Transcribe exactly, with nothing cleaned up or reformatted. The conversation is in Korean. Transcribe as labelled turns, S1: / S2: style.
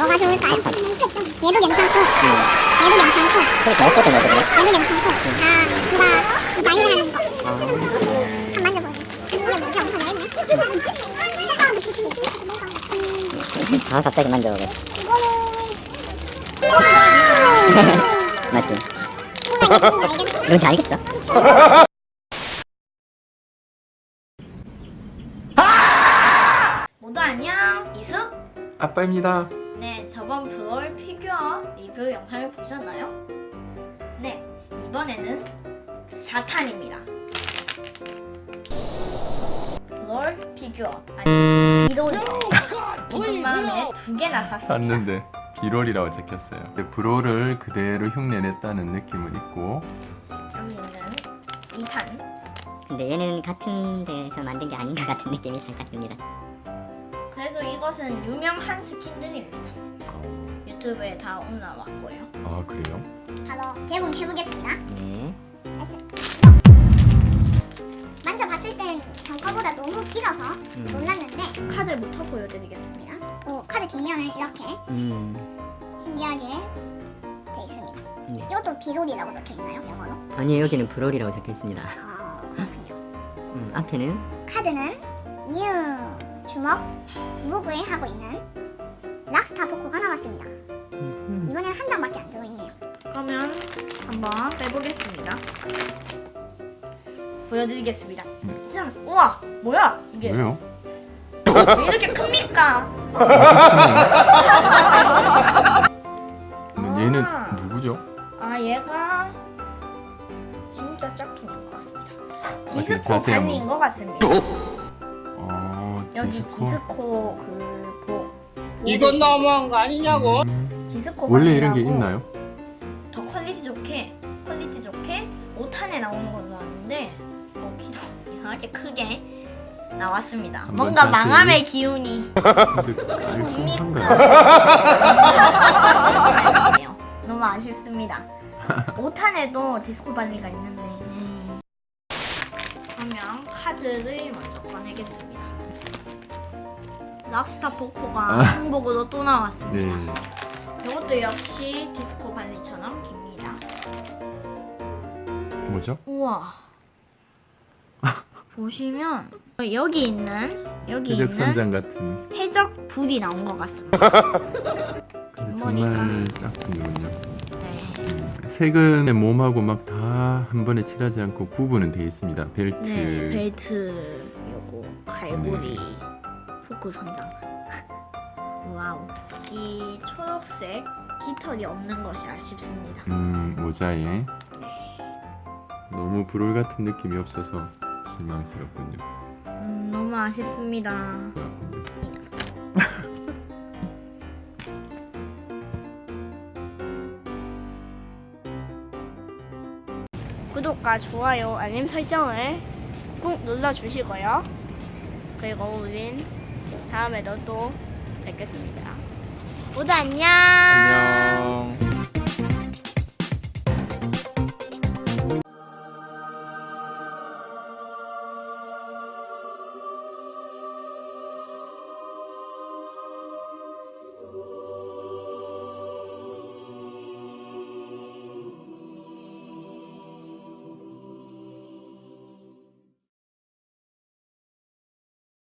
S1: 뭐가 좋을까요? 얘도 괜찮고 얘도 괜찮고
S2: 그래 잘했었던 거 같거든요.
S1: 얘도 괜찮고 다 누가 디자인을 하는 거 한번 만져보겠습니다. 이게 뭐지? 엄청 넓네.
S2: 아 갑자기 만져보겠어. 맞지? 뭔지 알겠어.
S3: 모두 안녕, 이숙?
S4: 아빠입니다.
S3: 네, 저번 브롤 피규어 리뷰 영상을 보셨나요? 네, 이번에는 사 탄입니다. 브롤 피규어, 아니 비롤이에요. 기쁜 마음에 두 개나 샀습니다.
S4: 샀는데 비롤이라고 적혔어요. 브롤을 그대로 흉내냈다는 느낌은 있고,
S3: 여기 있는 이 탄.
S2: 근데 얘는 같은 데서 만든 게 아닌가 같은 느낌이 살짝 듭니다.
S3: 그래도 이것은 유명한 스킨들입니다. 유튜브에 다 올라왔고요.
S4: 아 그래요?
S1: 바로 개봉해보겠습니다.
S2: 네.
S1: 만져봤을 땐 전 거보다 너무 길어서
S2: 음.
S1: 놀랐는데
S3: 카드부터 보여드리겠습니다.
S1: 오, 카드 뒷면은 이렇게
S2: 음.
S1: 신기하게 돼 있습니다.
S2: 네.
S1: 이것도 비롤이라고 적혀있나요? 영어로?
S2: 아니요 여기는 브롤이라고 적혀 있습니다.
S1: 아, 그렇군요.
S2: 음, 앞에는
S1: 카드는 뉴 주먹 무브에 하고 있는 락스타 포코가 나왔습니다.
S2: 음,
S1: 이번엔 한 장밖에 안 들어있네요.
S3: 그러면 한번 빼보겠습니다. 보여드리겠습니다.
S4: 네.
S3: 짠! 우와! 뭐야? 이게
S4: 왜요?
S3: 왜 이렇게 큽니까?
S4: 근데 얘는
S3: 아.
S4: 누구죠?
S3: 아 얘가 진짜 짝퉁인 것 같습니다.
S4: 어떻게
S3: 디스코
S4: 자세히 한번-
S3: 반인 것 같습니다.
S4: 어,
S3: 여기
S4: 디스코?
S3: 디스코 그 보,
S5: 이건 너무한 거 아니냐고?
S4: 음,
S3: 디스코
S4: 원래 이런 게
S3: 반이라고
S4: 있나요?
S3: 더 퀄리티 좋게 퀄리티 좋게 오 탄에 나오는 걸로 아는데 어, 키도 이상하게 크게 나왔습니다.
S4: 한번
S3: 뭔가
S4: 자세히-
S3: 망함의 기운이
S4: 근데 깔끔한가요?
S3: 아니에요. 너무 아쉽습니다. 오 탄에도 디스코 발리가 있는데 그러면 카드를 먼저 꺼내겠습니다. 락스타 포코가
S4: 아.
S3: 한복으로 또 나왔습니다.
S4: 네.
S3: 이것도 역시 디스코 발리처럼 깁니다.
S4: 뭐죠?
S3: 우와. 보시면 여기 있는 여기
S4: 해적
S3: 있는
S4: 선장 같은.
S3: 해적 불이 나온 것 같습니다.
S4: 근데
S3: 머리가-
S4: 정말 짝퉁이군요.
S3: 네.
S4: 색은 몸하고 막 다 한 번에 칠하지 않고 구분은 되어 있습니다. 벨트.
S3: 네, 벨트 요거 갈고리
S4: 네.
S3: 후크 선장. 와우. 이 초록색 깃털이 없는 것이 아쉽습니다.
S4: 음, 모자에 너무 브롤 같은 느낌이 없어서 실망스럽군요.
S3: 음, 너무 아쉽습니다.
S4: 그렇군요.
S3: 구독과 좋아요, 알림 설정을 꼭 눌러주시고요. 그리고 우린 다음에도 또 뵙겠습니다. 모두 안녕.
S4: 안녕.